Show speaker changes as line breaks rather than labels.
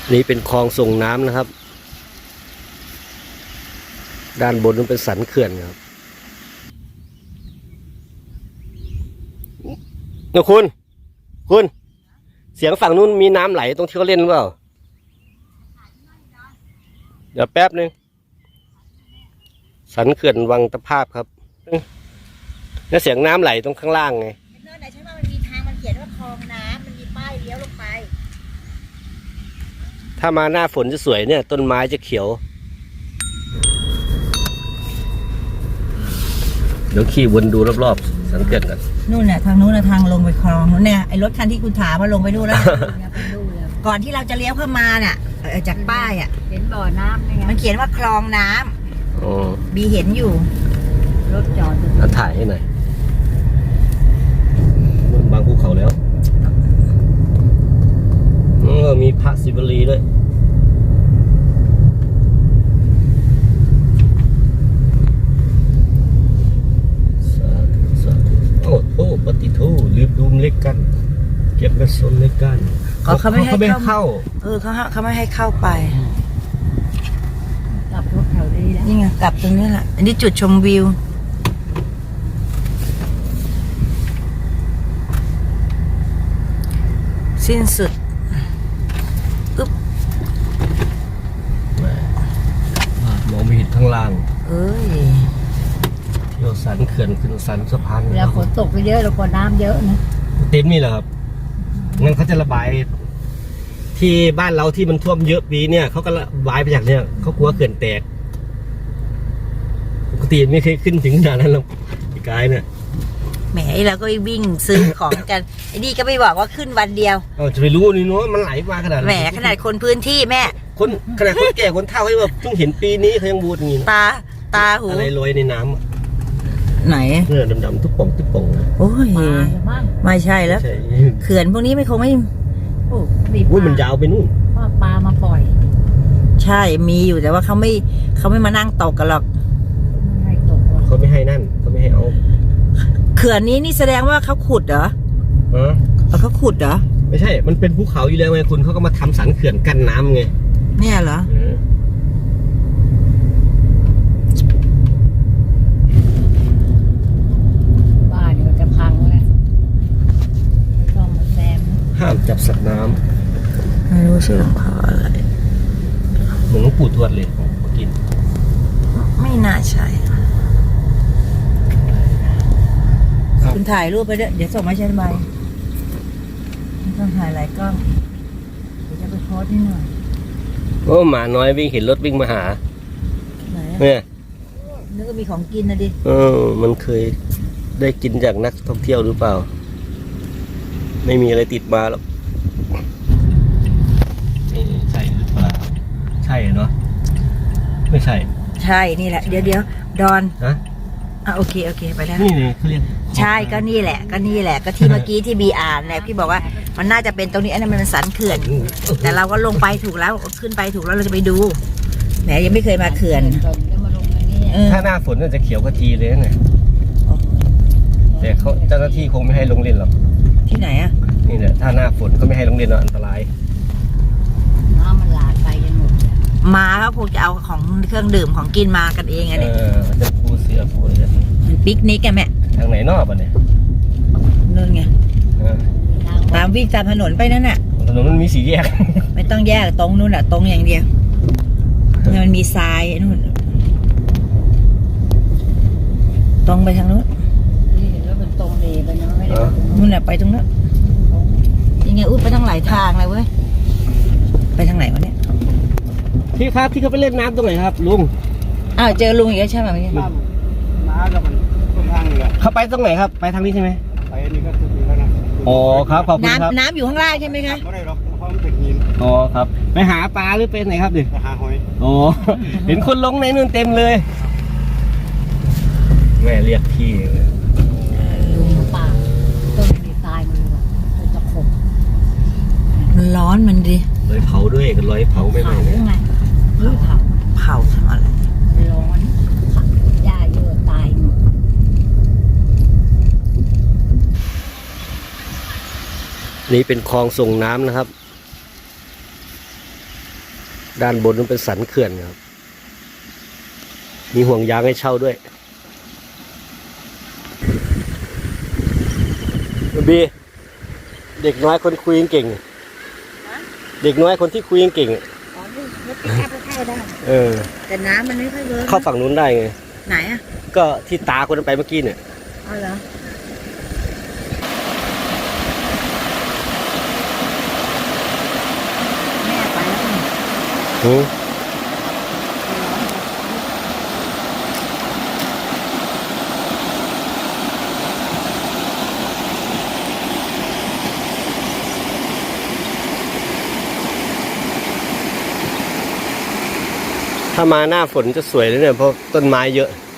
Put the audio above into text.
นี่เป็นคลองส่งน้ำนะครับด้านบนนั้นเป็นสันเขื่อนครับนะคุณเสียงฝั่งนู้นมีน้ำไหลตรงที่เขาเล่นหรือเปล่าเดี๋ยวแป๊บนึงสันเขื่อนวังตะภาพครับแล้วเสียงน้ำไหลตรงข้างล่างไง
เนินไหนใช่ไหมมันมีทางมันเขียนว่าคลองน้ำมันมีป้ายเลี้ยวลงไป
ถ้ามาหน้าฝนจะสวยเนี่ยต้นไม้จะเขียวเดี๋ยวขี่วนดูรอบๆสังเกตกัน
นู่นน่ะทางนู้นน่ะทางลงไปคลองนู้นเนี่ยไอ้รถคันที่คุณถามว่าลงไปนู่นแล้ว ก่อนที่เราจะเลี้ยวเข้ามาเนี่ยจากป้ายอ่ะ
เห็นบ่อน้ำนี่ไง
มันเขียนว่าคลองน้ำบีเห็นอยู่
รถจอด
แล้วถ่ายให้หน่อยบางภูเขาแล้วมีพระศิวลีด้วยโอ้ปฏิทูรีบดูมเล็กกันเก็บกระสุนเล็กกัน
เขาไม่ให้
เข้า
เขาไม่ให้เข้าไป
กลับรถแถวนี้แล้ว
นี่ไงกลับตรงนี้แหละอันนี้จุดชมวิวสิ้นสุดอึ๊บ
มองไม่เห็นข้างล่าง
เอ้ย
เที่ยวสันเขื่อนขึ้นสันสะพาน
แล้วฝนตกเยอะแล้วก็น้ำเยอะนะ
เต็มนี่แหละครับงั้นเขาจะระบายที่บ้านเราที่มันท่วมเยอะปีเนี่ยเขาก็ระบายไปจากเนี่ยเขากลัวเขื่อนแตกปกติไม่เคยขึ้นถึงขนาดนั้นหรอกพี่กายเนี่ย
แหมเราก็วิ่งซื้อของกันไอ้นี่ก็ไม่บอกว่าขึ้นวันเดียว
จะไปรู้นี่เนาะมันไหลมาขนาด
แหมขนาดคนพื้นที่แม่
คนขนาดคนแก่คนเฒ่าเขาแบบเพิ่งเห็นปีนี้เขายังบูดอย่างนี้
ตาหู
อะไรลอยในน้
ำไหน
เนี่ยดำๆทุกป่อง
โอ้ยไม่ใช่แล้วเขื่อนพวกนี้ไม่คงไม่
อุ้ยมันยาวไปนู่น
ปลามาปล่อย
ใช่มีอยู่แต่ว่าเขาไม่มานั่งตกกันหรอก
เขาไม่ให้นั่นเขาไม่ให้เอา
เขื่อนนี้นี่แสดงว่าเขาขุดเหรอเขาขุดเหรอ
ไม่ใช่มันเป็นภูเขาอยู่แล้วไงคุณเขาก็มาทำสันเขื่อนกั้นน้ำไง
เนี่ยเหรอ
บ้านมันจะพังแล้วต้องมาแซม
ห้ามจับสัตว์น้
ำไม่รู้ชื่อหลวงพ่ออะไร
เหมือนหลวงปู่ทวดเลยกิน
ไม่น่าใช่คุณถ่ายรูปไปด้วยเดี๋ยวส่งมาใช้ใบต้องถ่ายหลายกล้องเดี๋ยวจะไปโพสนิดหน่อย
โอ้หมาน้อยวิ่งเห็นรถวิ่งมาหา
เนี่ยนึกว่ามีของกินนะดิ
มันเคยได้กินจากนักท่องเที่ยวหรือเปล่าไม่มีอะไรติดมาหรอกใช่หรือเปล่าใช่เนาะไม่ใช่
นี่แหละเดี๋ยวดอนโอเคไปแล้ว
นี่เขาเรียก
ใช่ก็นี่แหละก็ที่เมื่อกี้ที่บีอ่านเนี่ยพี่บอกว่ามันน่าจะเป็นตรงนี้อันนั้นมันสันเขื่อนแต่เราก็ลงไปถูกแล้วขึ้นไปถูกแล้วเราจะไปดูแหมยังไม่เคยมาเขื่อน
ถ้าหน้าฝนน่าจะเขียวกะทีเลยนะแต่เขาเจ้าหน้าที่คงไม่ให้ลงเล่นหรอก
ที่ไหนอ่ะ
นี่แหละถ้าหน้าฝนก็ไม่ให้ลงเล่นหรอกอันตราย
น้ำมันหลากไปกันหมด
มาเขาคงจะเอาของเครื่องดื่มของกินมากันเองไงเนี่ย
จะปูเสือปูอะไร
มันปิกนิกกันแม่
ทางไหนนอกอ่ะเนี่ย
นู่นไงตามวิ่งตามถนนไปนั่นน่ะ
ถนนมันมีสีแยก
ไม่ต้องแยกตรงนู่นอ่ะตรงอย่างเดียวมันมีทรายนู่นตรงไปทางนู้น
นี่เห็นแล้วเป็นตรงเลยไปนะไม่ได้
นู่นน่ะไปตรงนู้นยังไงอุ้ยไปทั้งหลายทางเลยเว้ยไปทางไหนวะเนี่ย
พี่ครับที่เขาไปเล่นน้ำตรงไหนครับลุง
เจอลุงอีกแล้วใช่ไหมพี่
น้ากับมันทางนี้เขาไปตรงไหนครับไปทางนี้ใช่ไหมไปนี่ก็ถึงแล้วนะอ๋อครับขอบคุณครับ
น้ำอยู่ข้างล่างใช่ไหมคะ
ไม่ได้หรอกเพราะมันเป็นหินอ๋อครับไปหาปลาหรือเป็นไหนครับดิไปหาหอยอ๋อเห็นคนลงในนู่นเต็มเลยแม่เรียกพี่
ลุงป่าต้นมีทรายมันเลยจะขม
มันร้อนมันดิ
ร้อยเผาด้วยกันร้อยเผาไม่ไหวเลย
เผาทำอะไร
ร้อนหญ้าเยอะตายหมด
นี่เป็นคลองส่งน้ำนะครับด้านบนนั้นเป็นสันเขื่อนครับ มีห่วงยางให้เช่าด้วยบีเด็กน้อยคนคุยเก่งเด็กน้อยคนที่คุยเก่ง
อ๋อนี่รถปิกอัพก็เข้าได้
เออ
แต่น้ำมันไม่ค่อยเวิร์ก
เข้าฝั่งนู้นได้ไง
ไหนอ่ะ
ก็ที่ตาคนนั้นไปเมื่อกี้เนี่ย
อ๋อเหรอแม่ไปแล้วนี่
หือถ้ามาหน้าฝนจะสวยเลยเนี่ยเพราะต้นไม้เยอะ